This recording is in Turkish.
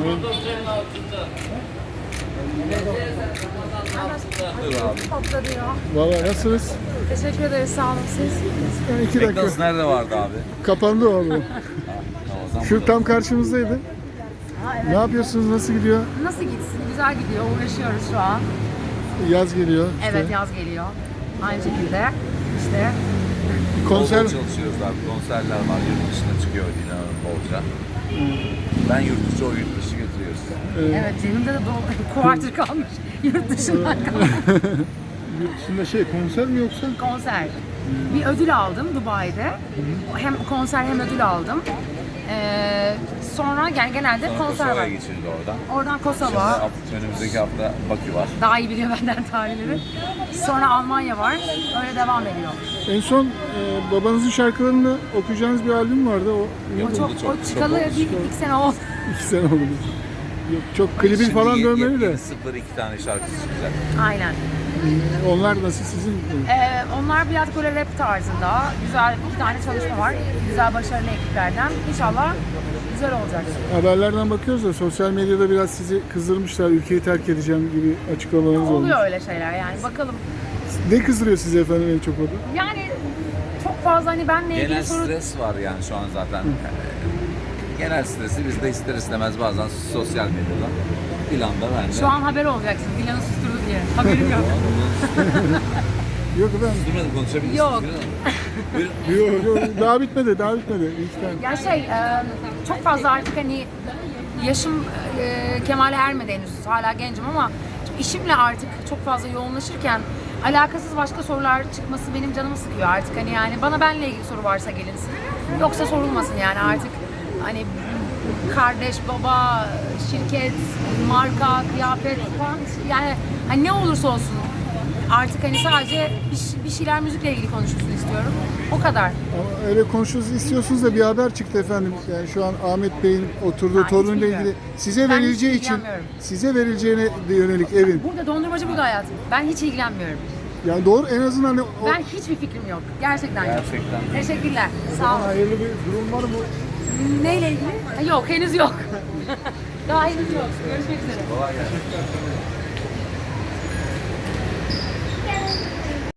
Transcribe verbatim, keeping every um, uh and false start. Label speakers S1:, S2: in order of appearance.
S1: Valla nasılsınız?
S2: Teşekkür ederiz, sağ olun siz.
S1: Yani iki dakika.
S3: McDonald's nerede vardı abi?
S1: Kapandı o abi.
S3: O zaman
S1: Şu tam karşımızdaydı.
S2: Ha, evet.
S1: Ne yapıyorsunuz? Nasıl gidiyor?
S2: Nasıl gitsin? Güzel gidiyor, uğraşıyoruz şu an.
S1: Yaz geliyor. işte.
S2: Evet, yaz geliyor. Aynı şekilde işte.
S1: Konser.
S3: Konser çalışıyoruz abi. Konserler var. Yurt dışına çıkıyor inanın bolca. Ben yurt dışı, o yurt dışı götürüyoruz.
S2: Evet, Cem'imde de doğu quarter kalmış. Yurt dışından kalmış.
S1: Yurt dışında şey konser mi yoksa?
S2: Konser. Bir ödül aldım Dubai'de. Hem konser hem ödül aldım. Ee, sonra yani genelde
S3: Sonra
S2: konser
S3: Kosova'ya
S2: var.
S3: geçildi oradan.
S2: Oradan
S3: Şimdi
S2: Kosova.
S3: hafta- önümüzdeki hafta Bakü var.
S2: Daha iyi biliyor benden tarihleri. Sonra Almanya var. Öyle devam ediyor.
S1: En son e, babanızın şarkılarını okuyacağınız bir albüm vardı. O
S2: O
S3: Yapıldı
S2: çok,
S3: çok,
S2: o
S3: çok
S2: çıkalı
S3: oldu.
S2: bir iki sene oldu.
S1: iki sene oldu. Yok, çok klibi
S3: Şimdi
S1: falan
S3: ye-
S1: dönmeli de.
S3: yepyeni sıfır iki tane şarkısı çıkacak.
S2: Aynen.
S1: Onlar nasıl sizin?
S2: Ee, onlar biraz böyle rap tarzında. Güzel iki tane çalışma var. Güzel başarılı ekiplerden. İnşallah güzel olacak.
S1: Haberlerden bakıyoruz da sosyal medyada biraz sizi kızdırmışlar. Ülkeyi terk edeceğim gibi açıklamalarınız olmuş.
S2: Oluyor öyle şeyler yani. Bakalım.
S1: Ne kızdırıyor sizi efendim en çok orada?
S2: Yani çok fazla hani benle ilgili
S3: Genel
S2: soru...
S3: stres var yani şu an zaten. Genel stresi biz de ister istemez bazen sosyal medyada planda ben de.
S2: Şu an haber olacaksın. Dilan'ı susturdu diye. Haberim yok.
S1: Yok efendim.
S3: Durmadan konuşabilirsiniz.
S2: Yok.
S3: Buyurun.
S1: Yok, yok, daha bitmedi, daha bitmedi. İki tane.
S2: Ya şey, e, çok fazla artık hani yaşım e, kemale ermedi henüz. Hala gencim ama işimle artık çok fazla yoğunlaşırken alakasız başka sorular çıkması benim canımı sıkıyor artık. Hani yani bana benle ilgili soru varsa gelinsin. Yoksa sorulmasın yani artık hani kardeş, baba, şirket, marka, kıyafet falan yani hani ne olursa olsun artık hani sadece bir, bir şeyler müzikle ilgili konuşulsun istiyorum. O kadar.
S1: Ama öyle konuşuyorsunuz istiyorsunuz da bir haber çıktı efendim. Yani şu an Ahmet Bey'in oturduğu
S2: Ha, hiç
S1: torunuyla
S2: bilmiyorum.
S1: ilgili size
S2: Ben
S1: verileceği
S2: hiç
S1: için
S2: ilgilenmiyorum.
S1: size verileceğine yönelik evin.
S2: Burada dondurmacı burada hayatım. Ben hiç ilgilenmiyorum.
S1: Yani doğru en azından hani o
S2: Ben hiçbir fikrim yok. Gerçekten yok.
S3: Gerçekten.
S2: Teşekkürler. Sağ olun.
S1: hayırlı bir durum var mı?
S2: Neyle ilgili? Ha, yok henüz yok. Daha henüz yok. Görüşmek üzere.
S3: Kolay gelsin.